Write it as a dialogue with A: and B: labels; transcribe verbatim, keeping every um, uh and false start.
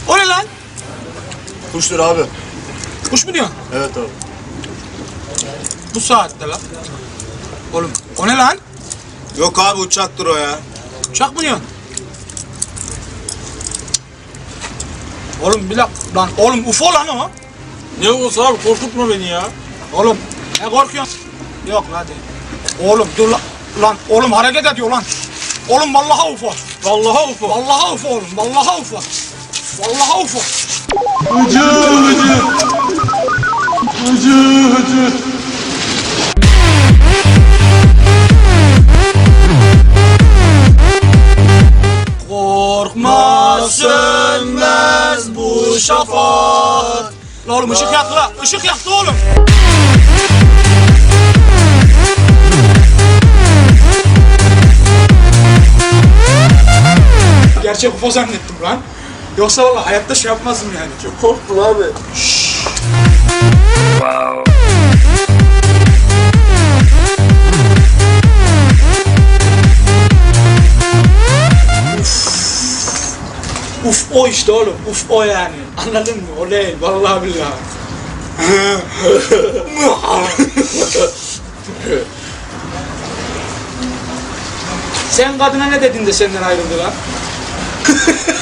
A: O ne lan?
B: Kuştur abi.
A: Kuş mu diyorsun?
B: Evet abi.
A: Bu saatte lan. Oğlum o ne lan?
B: Yok abi uçaktır o ya.
A: Uçak mı diyorsun? Oğlum bir dakika lan. Oğlum U F O lan o.
B: Ne olsa abi korkutma beni ya.
A: Oğlum ne korkuyorsun? Yok lan değil. Oğlum dur lan. Lan oğlum hareket ediyor lan. Oğlum vallahi U F O.
B: Vallahi ufo.
A: Vallahi U F O oğlum. Vallahi U F O. Vallahi U F O.
B: Hıcı hıcı. Hıcı hıcı.
A: Korkma sönmez bu şafak. Lan oğlum ışık yaktı lan. Işık yaktı oğlum. Gerçek U F O zannettim lan. Yoksa vallahi hayatta şey yapmazdım yani.
B: Çok korktum abi.
A: Uf o işte oğlum. Uf o yani. Anladın mı? O değil. Vallahi billahi. Sen kadına ne dedin de senden ayrıldı lan?